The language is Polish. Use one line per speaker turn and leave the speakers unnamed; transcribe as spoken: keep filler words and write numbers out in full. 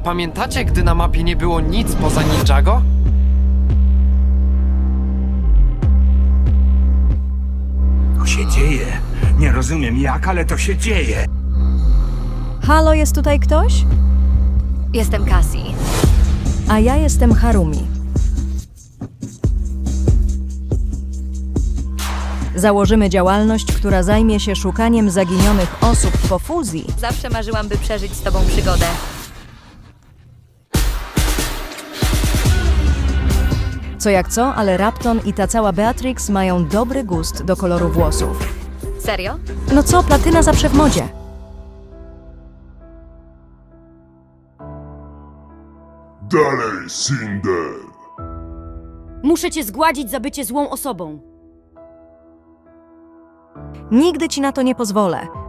Pamiętacie, gdy na mapie nie było nic poza Ninjago?
To się dzieje. Nie rozumiem jak, ale to się dzieje.
Halo, jest tutaj ktoś?
Jestem Cassie.
A ja jestem Harumi. Założymy działalność, która zajmie się szukaniem zaginionych osób po fuzji.
Zawsze marzyłam, by przeżyć z tobą przygodę.
Co jak co, ale Rapton i ta cała Beatrix mają dobry gust do koloru włosów.
Serio?
No co, platyna zawsze w modzie.
Dalej, Cinder!
Muszę cię zgładzić za bycie złą osobą.
Nigdy ci na to nie pozwolę.